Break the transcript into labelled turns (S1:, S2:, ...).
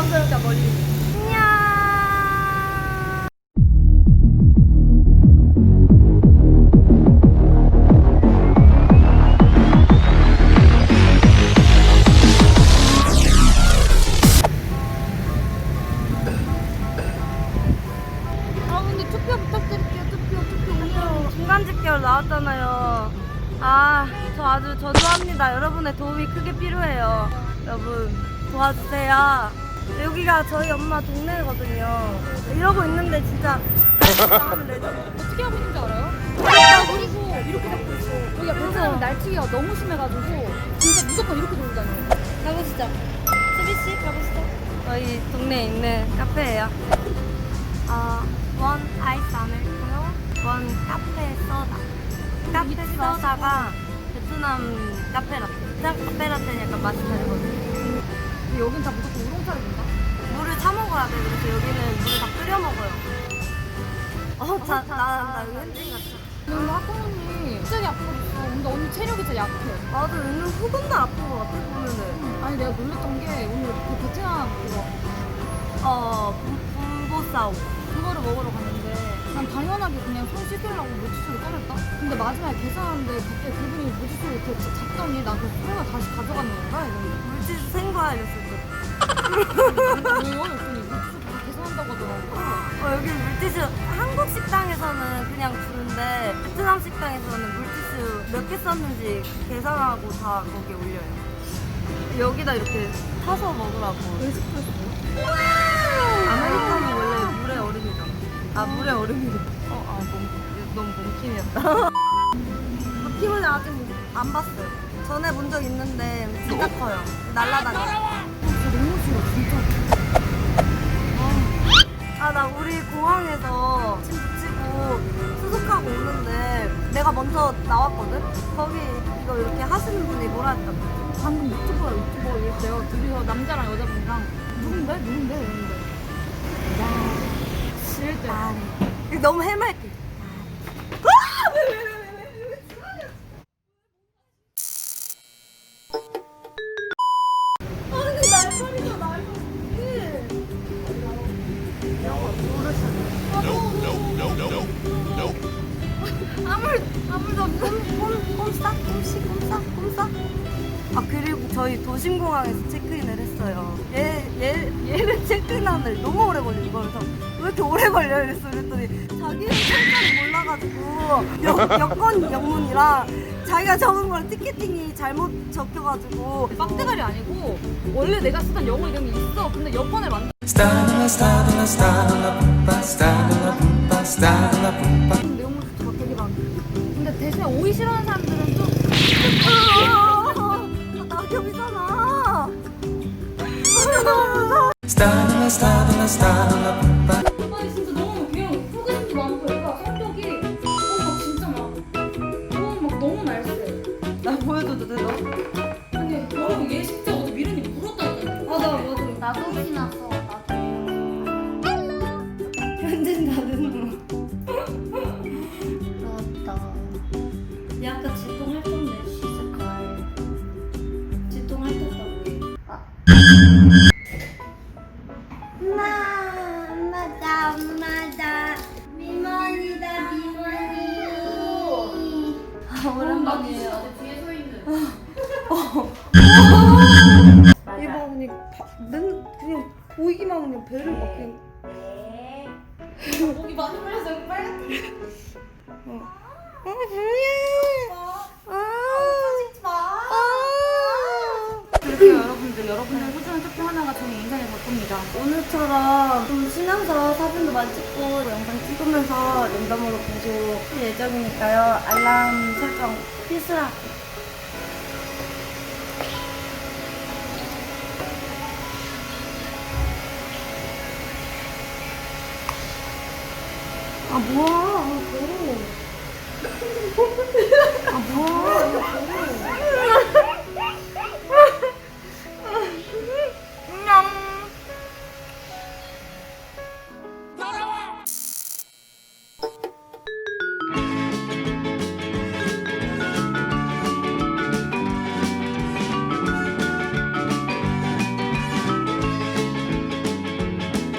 S1: 부담스럽게 머리. 안녕.
S2: 근데 투표 부탁드릴게요. 투표.
S1: 중간 집결 나왔잖아요. 아, 저 아주 저조합니다. 여러분의 도움이 크게 필요해요. 여러분 도와주세요. 여기가 저희 엄마 동네거든요. 이러고 있는데 진짜 하면 되죠.
S2: 어떻게 하고 있는지 알아요? 그리고 이렇게 잡고 있어. 여기가 베트남 날치기가 너무 심해가지고 진짜 무조건 이렇게 돌고 다녀요.
S1: 가보시죠. 수비씨 가보시죠. 저희 동네에 있는 카페예요. 원 아이스 아메리카노, 원 카페 소다. 카페 소다가 베트남 카페라떼. 그냥 카페라떼는 약간 맛이 다르거든요.
S2: 근데 여긴 다 무조건 우롱차를 준다.
S1: 물을 타 먹어야 돼. 그래서 여기는 물을 다 끓여 먹어요. 나 여기 현진 같아.
S2: 근데 학부모님이 갑자기 아픈 거 있어. 근데 언니 체력이 진짜 약해.
S1: 나도 은근 후근도 아픈 것 같아 보면은.
S2: 아니 내가 놀랬던 게 오늘 그 베트남 그거
S1: 분보싸오.
S2: 그거를 먹으러 갔는데 난 당연하게 그냥 손 씻으려고 물티슈를 꺼냈다? 근데 마지막에 계산하는데 갑자기 그분이 물티슈를 이렇게 잡더니 나 그 손을 다시 가져가는 건가? 이러는데
S1: 물티슈 생거야 이랬을 때.
S2: 왜요? 그랬더니 물티슈 다 계산한다고 하더라고.
S1: 여기 물티슈 한국 식당에서는 그냥 주는데 베트남 식당에서는 물티슈 몇 개 썼는지 계산하고 다 거기에 올려요. 여기다 이렇게 타서 먹으라고.
S2: 왜 시켰어요?
S1: 아메리카노 원래 물에 얼음이잖아. 아 물에 얼음이래. 너무 몸킴이었다. 바퀴벌레 아직 안 봤어요. 전에 본 적 있는데 진짜 커요. 날라다녀.
S2: 진짜 너무 싫어 진짜.
S1: 나 우리 공항에서 짐 붙이고 수속하고 오는데 내가 먼저 나왔거든? 거기 이거 이렇게 하시는 분이 뭐라 했다고?
S2: 방금 유튜버 이랬대요. 둘이서 남자랑 여자분이랑 누군데? 이러는데 야 싫대.
S1: 너무 해맑게. 아니 날파리가 날파리. 아무도 꼼싹. 그리고 저희 도심공항에서 체크인을 했어요. 얘를 체크인하는데 너무 오래 걸리는 거예요. 그래서 왜 이렇게 오래 걸려? 그랬더니 자기는 철자를 몰라가지고 여권 영문이랑 자기가 적은 걸 티켓팅이 잘못 적혀가지고
S2: 빡대가리 아니고 원래 내가 쓰던 영어 이름이 있어. 근데 여권을 만들 내용물수가 되게 많아. 근데 대신에 오이 싫어하는 사람들은 좀
S1: 낙엽이잖아.
S2: 아니 진짜 너무 그냥 호기심도 많고 얘가 성격이 막 진짜 막 너무 날쌔.
S1: 나 보여줘도 돼, 너?
S2: 아니 여러분 얘 진짜 어제 미련이 물었다니까.
S1: 맞아.
S2: 나도 신났어.
S1: 현진 나는 그렇다. 얘 아까 지똥 할 건데 시스칼. 지똥 할 떴다고. 엄마다. 미모니다. 오랜만이에요.
S2: 뒤에 서 있는.
S1: 이거 그냥 보이기만 하면 그냥 배를 막 그냥.
S2: 목이 많이 물려서 여기 빨갛게. 그래서 여러분의 소중한 투표 하나가 저희 인생을 바꿉니다.
S1: 오늘처럼 좀 쉬면서 사진도 많이 찍고 영상 찍으면서 랜덤으로 계속 할 예정이니까요. 알람 설정 필수라. 뭐야. 더러워. 뭐야. 더러워.